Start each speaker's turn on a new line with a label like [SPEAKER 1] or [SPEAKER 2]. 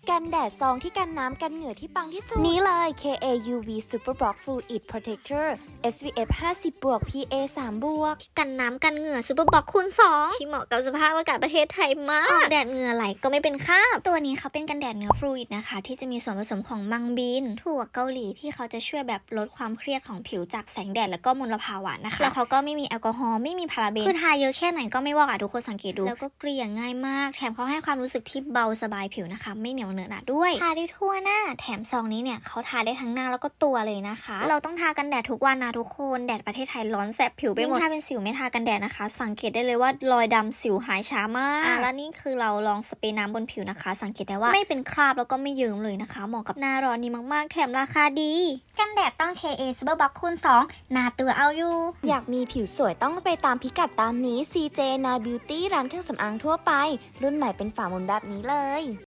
[SPEAKER 1] กันแดดซองที่กันน้ำกันเหงื่อที่ปังที่สุดนี้เลย KA UV Super Block Fluid Protector SPF 50 บวก PA 3 บวก
[SPEAKER 2] กันน้ำกันเหงื่อซูเปอร์บ็อกคูณ2ที่เหมาะกับสภาพอากาศประเทศไทยมากออกแดดเหงื่อไหลก็ไม่เป็นคราบตัวนี้เขาเป็นกันแดดเนื้อฟลูอิดนะคะที่จะมีส่วนผสมของมังบีนถั่วเกาหลีที่เขาจะช่วยแบบลดความเครียดของผิวจากแสงแดดแล้วก็มลภาวะนะคะแล้วเขาก็ไม่มีแอลกอฮอล์ไม่มีพาราเบนคือทาเยอะแค่ไหนก็ไม่วอกทุกคนสังเกตดูแล้วก็เกลี่ยง่ายมากแถมเขาให้ความรู้สึกที่เบาสบายผิวนะคะไม่เหนียวเหนอะหนะด้วยทาได้ทั่วหน้าแถมซองนี้เนี่ยเขาทาได้ทั้งหน้าแล้วก็ตัวเลยนะคะเราต้องทากันแดดทุกวันนะทุกคนแดดประเทศไทยร้อนแสบผิวไปหมดถ้าเป็นสิวไม่ทากันแดดนะคะสังเกตได้เลยว่ารอยดำสิวหายช้ามากแล้วนี่คือเราลองสเปรย์น้ำบนผิวนะคะสังเกตได้ว่าไม่เป็นคราบแล้วก็ไม่เยิ้มเลยนะคะเหมาะกับหน้าร้อนนี้มากๆแถมราคาดีกันแดดต้อง KA Super Box คูณ2หน้าตัวเอาอยู่
[SPEAKER 1] อยากมีผิวสวยต้องไปตามพิกัดตามนี้ CJ Now Beauty ร้านเครื่องสำอางทั่วไปรุ่นใหม่เป็นฝาหมุนแบบนี้เลย